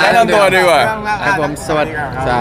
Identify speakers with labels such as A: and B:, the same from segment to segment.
A: แนะนำตัวดีกว่า
B: ครับผมสวัสดี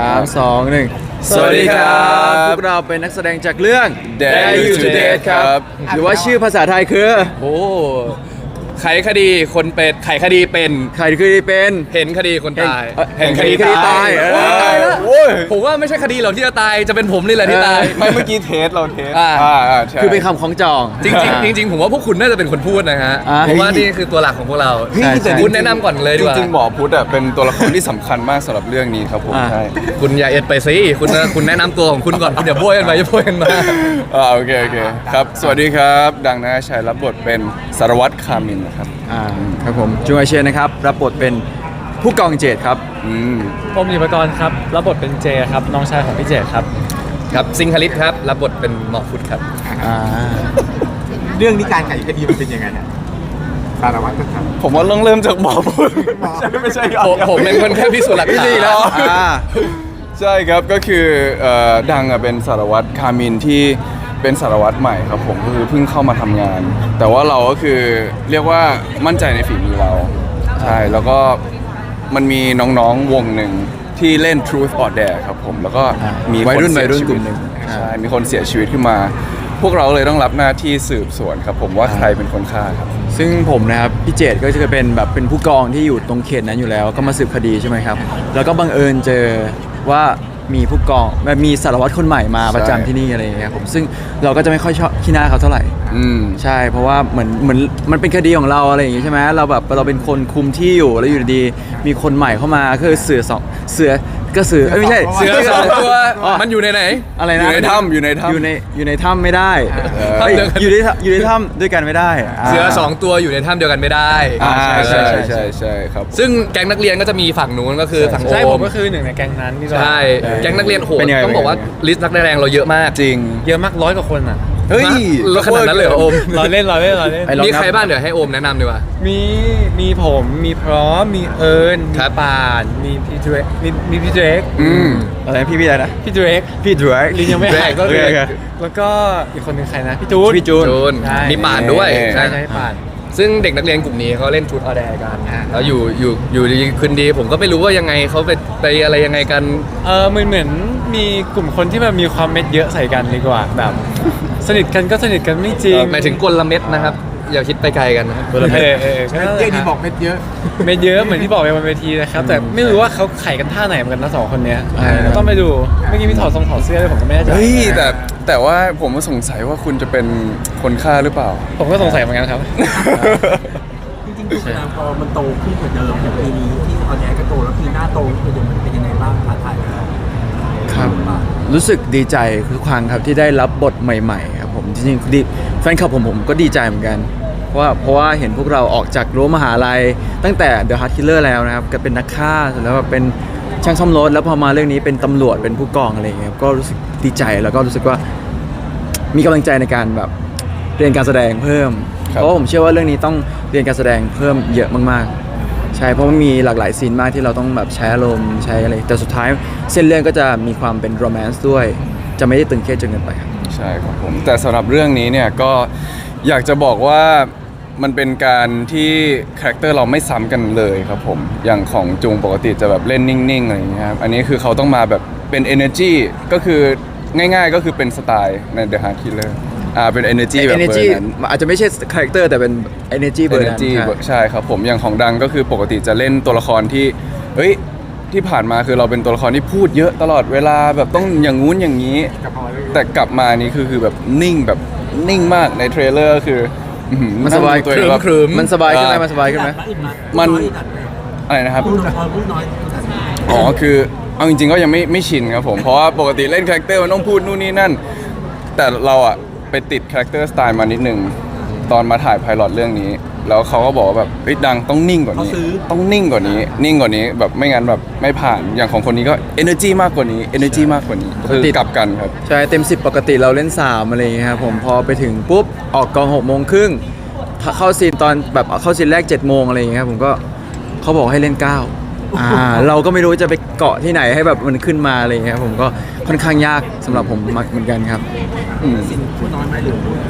B: 3 2 1สวัสดีครับพวกเราเป็นนักแสดงจากเรื่อง
A: Dare You to Date ครับ
B: หรือว่าชื่อภาษาไทยคือ
A: โอ้ไขคดีคนเป็นไขคดีเป็น
B: ใครคือเป็น
A: เห็นคดีคนตาย
B: เห็นคดีตาย
A: โอ้ยผมว่าไม่ใช่คดีเราที่จะตายจะเป็นผมนี่แหละที่ตาย
C: ไม่เมื่อกี้เทสเราเทส
A: ใช่
B: คือเป็นคำของจอง
A: จริงๆผมว่าพวกคุณน่าจะเป็นคนพูดนะฮะ
B: อ่า
A: เพราะว่านี่คือตัวหลักของพวกเรา
B: ใช่ใช่
A: คุณแนะนำก่อนเลยดีกว่า
C: จริงๆหมอพุทธเป็นตัวละครที่สำคัญมากสำหรับเรื่องนี้ครับผม
B: อ่า
C: ใช่
A: คุณอย่าเอ็ดไปสิคุณแนะนำตัวของคุณก่อนคุณอย่าโบยกันไปอย่าโบยกันมา
C: โอเคครับสวัสดีครับ ดังนะชัยรับบทเป็นสารวัตรคามินนะครับ
B: ครับผมจูอาเชนนะครับรับบทเป็นผู้กองเจตครับ
D: ผมหยิปกรณ์ครับรับบทเป็นเจครับน้องชายของพี่เจครับ
A: ครับซิงคลิตครับรับบทเป็นหมอฟุตครับ
E: เรื่องนี้การไขคดีมันเป็นยังไงเนี่ยสารวัตรครับ
C: ผมว่าเริ่มจากหมอพุทธไม่ใช่ครับ
A: ผมเป็นคนแค่พิสูจน์หลักฐาน
C: แล้ว ใช่ครับก็คือดังเป็นสารวัตรคามินที่เป็นสารวัตรใหม่ครับผมก็คือเพิ่งเข้ามาทำงาน แต่ว่าเราก็คือเรียกว่ามั่นใจในฝีมือเราใช่แล้วก็มันมีน้องๆวงหนึ่งที่เล่น Truth or Dare ครับผมแล้วก็มี
B: วัยรุ่น
C: คเสีชี
B: กลุ่มหนึ่ง
C: ใช่มีคนเสียชีวิตขึ้นมา พวกเราเลยต้องรับหน้าที่สืบสวนครับผมว่าใครเป็นคนฆ่าครับ
B: ซึ่งผมนะครับพี่เจตก็จะเป็นแบบเป็นผู้กองที่อยู่ตรงเขตนั้นอยู่แล้ว ก็มาสืบคดีใช่ไหมครับ แล้วก็บังเอิญเจอว่ามีผู้กองมีสารวัตรคนใหม่มาประจำที่นี่อะไรอย่างเงี้ยครับผมซึ่งเราก็จะไม่ค่อยชอบขี้หน้าเขาเท่าไหร่ ใช่เพราะว่าเหมือนมันเป็นคดีของเราอะไรอย่างงี้ใช่ไหมเราแบบเราเป็นคนคุมที่อยู่แล้วอยู่ดีๆมีคนใหม่เข้ามาคือเสือไม่ใช่
A: เสือสองตัวมันอยู่ในไหน
B: อะไรนะ
C: อยู่ในถ้ำอยู่ในถ้ำ
B: อยู่ในถ้ำไม่ได้
A: ถ้ำเดียวกัน
B: อยู่ในถ้ำด้วยกันไม่ได้
A: เสือสองตัวอยู่ในถ้ำเดียวกันไม่ได้
C: ใช่ครับ
A: ซึ่งแก๊งนักเรียนก็จะมีฝั่งนู้นก็คือฝั่งโอ
D: ใช่ผม
A: ม
D: ก็คือหนึ่งในแก๊งนั้นที่
A: ใช่แก๊งนักเรียนโหด
B: เป็นยังไง
A: ต้องบอกว่าลิสต์นักแสดงเราเยอะมาก
C: จริง
D: เยอะมาก100 กว่าคนอ่ะ
C: เฮ้ย
A: แล้วขนาดนั้นเลยเหรอโอม
D: รอเล่น
B: ไอ้ลอง
A: มี
B: นับ
A: ใครบ้างเดี๋ยวให้โอมแนะนำดีกว่า
D: มีผมมีพร้อมมีเอิญ
A: ครั
D: มี
A: บ
D: ป่านมีพี่เดรกมีพี่เดรก
B: อะไรพี่อะไรนะ
D: พี่เดรก
B: พี่ดรก
D: ลินยังไม่หายก็เลย
B: โอเค
D: แล้วก็อีกคนหนึ่งใครนะพี่จูน
B: พี่จูน
A: จูน
D: ใช่
A: มีป่านด้วย
D: ใช่ป่าน
A: ซึ่งเด็กนักเรียนกลุ่มนี้เขาเล่นชุดออแดร์กันแล้วอยู่ดีคืนดีผมก็ไม่รู้ว่ายังไงเขาไปอะไรยังไงกัน
D: เหมือนมีกลุ่มคนที่แบบมีความเม็ดเยอะใส่กันดีกว่าแบบ สนิทกันก็สนิทกันไม่จริง
A: หมายถึงกลเม็ดนะครับ อย่าคิดไปไกลกันนะครับ
D: เออก็นั่นแห
E: เจ๊
D: ละ
E: ดีบอกเม็ดเยอะ
D: เม็ดเยอะเหมือนที่บอกไปบนเวทีนะครับแต่ไม่รู้ว่าเขาไข่กันท่าไหนเหมือนกันนะสองคนเนี้ยต้องไปดูเมื่อกี้มีถอดเสื้อด้วยผมก็ไม่แน่ใจ
C: เฮ้ยแต่ว่าผมก็สงสัยว่าคุณจะเป็นคนฆ่าหรือเปล่า
D: ผมก็สงสัยเหมือนกันครับ
E: จริงๆทุกอย่างพอมันโตขึ้นกว่าเดิมอย่างปีนี้ที่ออนแอร์ก็โตแล้วปีหน้าโตขึ้นกว่าเดิมมันเป็นยังไงบ้างท้าทายไหม
B: ครับรู้สึกดีใจทุกครั้งครับที่ได้รับบทใหม่ๆครับผมจริงๆแฟนคลับผมก็ดีใจเหมือนกันเพราะว่าเห็นพวกเราออกจากรั้วมหาลัยตั้งแต่ The Heart Killer แล้วนะครับก็เป็นนักฆ่าเสร็จแล้วแบบเป็นช่างซ่อมรถแล้วพอมาเรื่องนี้เป็นตำรวจเป็นผู้กองอะไรอย่างเงี้ยก็รู้สึกดีใจแล้วก็รู้สึกว่ามีกำลังใจในการแบบเรียนการแสดงเพิ่ม
C: ครับ
B: เพราะว่าผมเชื่อว่าเรื่องนี้ต้องเรียนการแสดงเพิ่มเยอะมากๆใช่เพราะมันมีหลากหลายซีนมากที่เราต้องแบบใช้อารมณ์ใช้อะไรแต่สุดท้ายเส้นเรื่องก็จะมีความเป็นโรแมนต์ด้วยจะไม่ได้ตึงเครียดจนเกินไปครับ
C: ใช่ครับผมแต่สำหรับเรื่องนี้เนี่ยก็อยากจะบอกว่ามันเป็นการที่คาแรคเตอร์เราไม่ซ้ำกันเลยครับผมอย่างของจุงปกติจะแบบเล่นนิ่งๆอะไรอย่างเงี้ยครับอันนี้คือเขาต้องมาแบบเป็น energy ก็คือง่ายๆก็คือเป็นสไตล์ใน The Heart Killer เป็น energy แบบเบอ
B: energy
C: ร์นั้น
B: อาจจะไม่ใช่คาแรคเตอร์แต่เป็น energy เบอร์นั้น
C: energy
B: ใช่
C: ใช่ครับผมอย่างของดังก็คือปกติจะเล่นตัวละครที่เฮ้ยที่ผ่านมาคือเราเป็นตัวละครที่พูดเยอะตลอดเวลาแบบต้องอย่างงู้นอย่างนี้ แต่กลับมานี่คือแบบนิ่งแบบนิ่งมากในเทรลเลอร์คืออื้อหือ
B: มันสบาย
C: งดูตัวเองแบบ
A: ครึ้ม
B: มันสบายขึ้นไหมมันสบายขึ้นไหม
C: มันอะไรนะครับ
E: พูดน้อยพูดน้อย
C: อ๋อคือเอาจริงๆก็ยังไม่ชินครับผมเพราะว่าปกติเล่นคาแรคเตอร์มันต้องพูดนู่นนี่นั่น แต่เราอะไปติดคาแรคเตอร์สไตล์มานิดนึงตอนมาถ่ายไพลอตเรื่องนี้ แล้วเขาก็บอกว่าแบบเฮ้ยดังต้องนิ่งกว่านี้ต้องนิ่งกว่านี้แบบไม่งั้นแบบไม่ผ่านอย่างของคนนี้ก็ energy มากกว่านี้ energy มากกว่านี้คือกลับกันครับ
B: ใช่เต็ม 10 ปกติเราเล่น 3 อะไรอย่างเงี้ยครับผมพอไปถึงปุ๊บ ออกกอง6 โมงครึ่งเข้าซีนตอนแบบเข้าซีนแรก7 โมงอะไรอย่างเงี้ยครับผมก็เขาบอกให้เล่น 9เราก็ไม่รู้จะไปเกาะที่ไหนให้แบบมันขึ้นมาอะไรอย่างเงี้ยครับผมก็ค่อนข้างยากสำหรับผมมากเหมือนกันครับ
E: สิ่งพูดน้อยไหมหรือพูด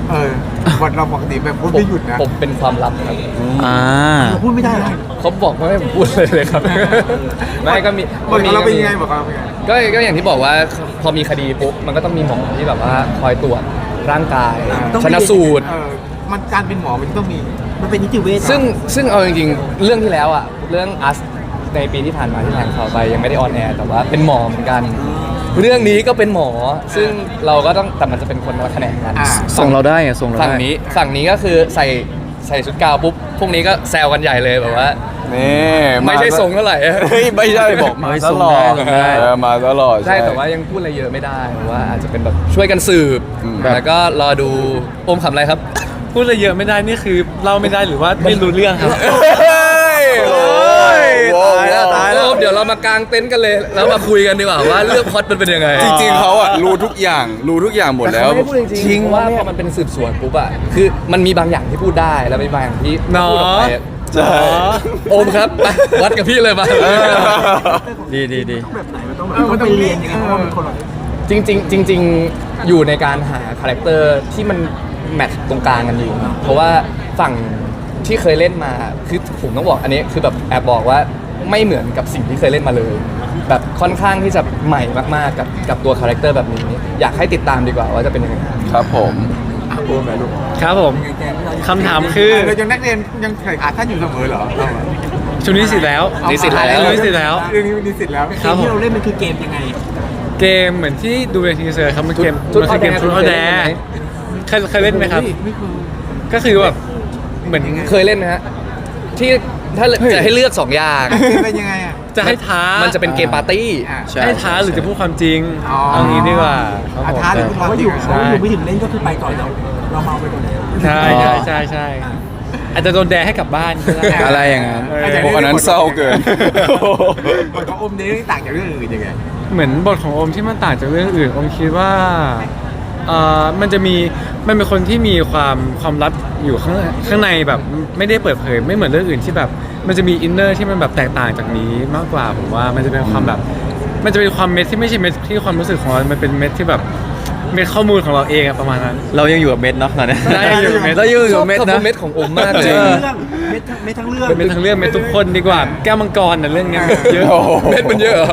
F: บทเราปกติแบบพูดไม่หยุดนะ
A: ผมเป็นความลับครับ
B: อ่า
E: เราพูดไม่ได้เลย
A: เขาบอกว่าให้ผมพูดเลยครับ ไม่ก็มี
F: บทของเราเป็นยังไงบอกเราเป็นยังไง
A: ก็อย่างที่บอกว่าพอมีคดีปุ๊บมันก็ต้องมีหมอที่แบบว่าคอยตรวจร่างกาย
E: ต้อง
A: ชนะสูตร
F: มันการเป็นหมอมันต้องมี
E: มันเป็นนิติเวช
A: ซึ่งเอาจริงๆ เรื่องที่แล้วอ่ะเรื่องอัสในปีที่ผ่านมาที่ทางข่าวไปยังไม่ได้ออนแอร์แต่ว่าเป็นหมอเหมือนกัน เรื่องนี้ก็เป็นหมอ ซึ่งเราก็ต้องแต่มันจะเป็นคนละแขนงกัน
B: ส่งเราได้ไงส่งเรา
A: ฝั่ง
B: ได้
A: นี้ก็คือใส่ชุดกาวปุ๊บพวกนี้ก็แซวกันใหญ่เลยแบบว่า
C: นี่
A: ไม่ใช่ทรงเท่าไหร่
C: เฮ้ยไม่ใช่บอกมา
B: ไม่
C: ต
B: ส่ง
C: ลอ
B: ได้
C: ด
B: ส่งได้
C: มาตลอด
A: ใช่แต่ว่ายังพูดอะไรเยอะไม่ได้เพราะว่าอาจจะเป็นแบบช่วยกันสืบ
C: อืม
A: แล้วก็รอดูโอมขำอะไรครับ
D: พูดอะไรเยอะไม่ได้นี่คือเล่าไม่ได้หรือว่าไม่รู้เรื่องครับ
C: เฮ้ยโอ้ย
B: ตายแล้วตายแล้ว
A: โอมเดี๋ยวเรามากางเต็นท์กันเลยแล้วมาคุยกันดีกว่าว่าเรื่องพล็อตมันเป็นยังไง
C: จริงๆเขาอะรู้ทุกอย่างหมดแล้ว
A: ต่เขาไม่ได้พูดจริงๆเพราะว่าพอมันเป็นสืบสวนปุ๊บอะคือมันมีบางอย่างที่พูดได้แล้วมีบางอย่างที่
D: เนาะ
A: พูดออกไปอะ
C: ใช่
A: โอมครับไปวัดกับพี่เลยมา
B: ดีดีดี
E: แบบไหนมันต้องแบบต้องไปเรียนยังไงเพราะว่ามันคนละ
A: จริงๆอยู่ในการหาคาแรคเตอร์ที่มันแมทช์ตรงกลางกันอยู่เพราะว่าฝั่งที่เคยเล่นมาคือผมต้องบอกอันนี้คือแบบแอบบอกว่าไม่เหมือนกับสิ่งที่เคยเล่นมาเลย แบบค่อนข้างที่จะใหม่มากๆกับตัวคาแรคเตอร์แบบนี้ อยากให้ติดตามดีกว่าว่าจะเป็นยังไง
C: ครับผม
F: โอ้แม่ลูก
D: ครับผมคำถามคือ
F: เรายังนักเรียนยังใส่ขาท่านอยู่เสมอเหรอเราอะ
D: ชุดนี้สิทธิ์แล้ว
A: นิสิตแล้ว
D: นิสิตแล้ว
F: เรื่องนี้มันนิสิตแล้ว
D: ครับผม
E: ที่เราเล่นมันคือเกมยังไง
D: เกมเหมือนที่ดูในทีเซอร์ครับมันเกม
A: ชุด
D: มันคือเกม
A: ชุ
D: ชุ
A: ด
D: ด
A: ฮ
D: ฮ
A: อ
D: อ
A: ล
D: แด
A: แดง
D: เคยเล่นไหมครับ
F: ไม่เคย
D: ก็คือแบบเหมือน
A: เคยเล่นไหมฮะที่ถ้าจะให้เลือก 2 อย่าง
F: เป็นยังไงอ่ะ
D: จะให้ท้า
A: มันจะเป็นเกมปาร์ตี้
B: ใช่
D: ให้ท้าหรือจะพูดความจริง
F: อ๋อ
D: เอางี้ดีกว่าครับผม
F: ท้าหรือพูด
E: เพ
F: ควา
E: ราะ
F: ม
E: ว่า
F: จ
E: อ
F: ริ
E: ยู่
F: ง
E: เพราะว่าอยู่ไม่ถึงเล่นก็คือไปก่อนแล้วเราเมาไปก่อนแล้ว
D: ใช่ใช่ใช่ใช่อาจจะโดนแดให้กลับบ้านก็ได้
B: อะไรอย่างนั้น
D: เออ
F: อาจจะ
C: โอ้อันนั้นเศร้าเกิน
F: บทของอมนี้ต่างจากเรื่องอื่นยังไง
D: เหมือนบทของโอมที่มันต่างจากเรื่องอื่นโอมคิดว่ามันเป็นคนที่มีความลับอยู่ข้างในแบบไม่ได้เปิดเผยไม่เหมือนเรื่องอื่นที่แบบมันจะมีอินเนอร์ที่มันแบบแตกต่างจากนี้มากกว่าผมว่ามันจะเป็นความแบบมันจะเป็นความเม็ดที่ไม่ใช่เม็ดที่ความรู้สึกของเรามันเป็นเม็ดที่แบบเม็ดข้อมูลของเราเองอะประมาณนั้น
B: เรายังอยู่กับเม็ดเนาะตอนนี้
D: ได้ยังอยู่กับเม็ด
B: เรายังอยู่
A: ชอ
B: กั
A: บบ
B: เม็ด
A: คำ
B: นะ
A: ว่าเม็ดของโอมมากเลย
B: จริง
E: เรื่องไม่ทั้งเรื่อง
D: เม็ดทั้งเรื่องเม็ดทุกคนดีกว่าแก้วมังกรน่ะเรื่องเนี้ยเยอะ
C: โอ้โห
A: เม็ดมันเยอะเหรอ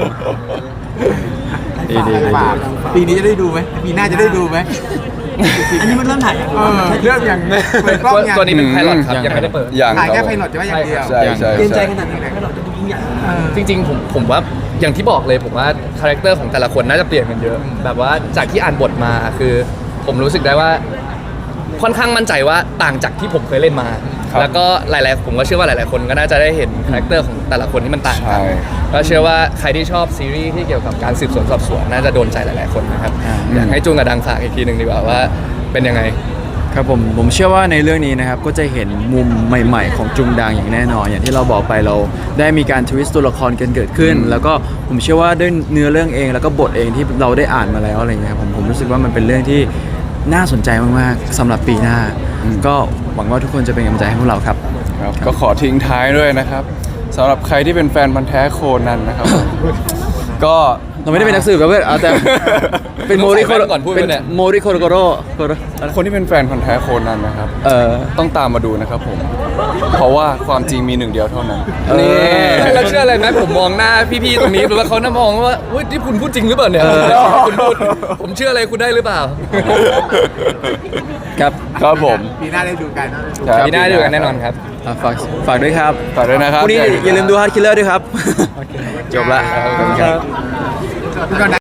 F: ฝากปีนี้จะได้ดูไหมปีหน้าจะได้ดูไหม
E: อันนี้มันเริ่มถ่ายยัง
F: เรื่องอย่างเปิดกล้องอย่าง
A: ตัวนี้เป็นไพลอตครับ
B: ยัง
A: ยังไม่ได้เปิด
C: อย่าง
F: ถ่าย
C: ค
F: แค่
C: รับ
F: ไพลอตจะว่าอย่างเดียว
C: ใช่ใช่
E: เตรียมใจ
C: ใช่
E: ขนาดไหนให้เราจะดูยิ่งใหญ่
A: จริงๆผมว่าอย่างที่บอกเลยผมว่าคาแรคเตอร์ของแต่ละคนน่าจะเปลี่ยนกันเยอะ แบบว่าจากที่อ่านบทมาคือ ผมรู้สึกได้ว่าค่อนข้างมั่นใจว่าต่างจากที่ผมเคยเล่นมา
C: ครับ
A: แล้วก็หลายๆผมก็เชื่อว่าหลายๆคนก็น่าจะได้เห็นคาแรคเตอร์ของแต่ละคนที่มันต่างกัน
C: ใช่
A: ก็เชื่อว่าใครที่ชอบซีรีส์ที่เกี่ยวกับการสืบสวนสอบสวนน่าจะโดนใจหลายๆคนนะครับอยากให้จุงกับดังฝากอีกทีหนึ่งดีกว่าว่าเป็นยังไง
B: ครับผมเชื่อว่าในเรื่องนี้นะครับก็จะเห็นมุมใหม่ ๆ ของจุงดังอย่างแน่นอน อย่างที่เราบอกไปเราได้มีการทวิสต์ตัวละครกันเกิดขึ้น แล้วก็ผมเชื่อว่าด้วยเนื้อเรื่องเองแล้วก็บทเองที่เราได้อ่านมาแล้วอะไรเงี้ยครับผมรู้สึกว่ามันเป็นเรื่องที่น่าสนใจมากๆสำหรับปีหน้า ก็หวังว่าทุกคนจะเป็นกำลังใจให้พวกเราครับ
C: ครับก็ขอทิ้งท้ายด้วยนะครับสำหรับใครที่เป็นแฟนพันธุ์แท้โคนันนะครับ ก็
B: เราไม่ได้เป็นนักสืบครับเพื่อนเอาแต่เป็นโมริโค
A: ต้องใส่แว่นก่อนพูดไหมเนี่ย
B: โมริโคโรโกโร
C: คนที่เป็นแฟนพันธุ์แท้โคนันนะครับ ต้องตามมาดูนะครับผม เพราะว่าความจริงมีหนึ่งเดียวเท่านั้น
B: นี่
A: แล้วเชื่ออะไรไหมผมมองหน้าพี่ๆตรงนี้หรือว่าเขาน่ามองว่าเฮ้ยที่คุณพูดจริงหรือเปล่าเนี่ยคุณพูดผมเชื่ออะไรคุณได้หรือเปล่า
B: ครับ
C: ครับผม
F: ปีหน้าได้ดูกัน
C: ครับ
A: ปีหน้าดูกันแน่นอนครับ
B: ฝากด้วยครับ
C: ฝากด้วยนะครับ
B: พรุ่งนี้อย่าลืมดูฮาร์ดคิลเลอร์ด้วยครับ จบละ
C: ครับ
F: คุณก่อนนะ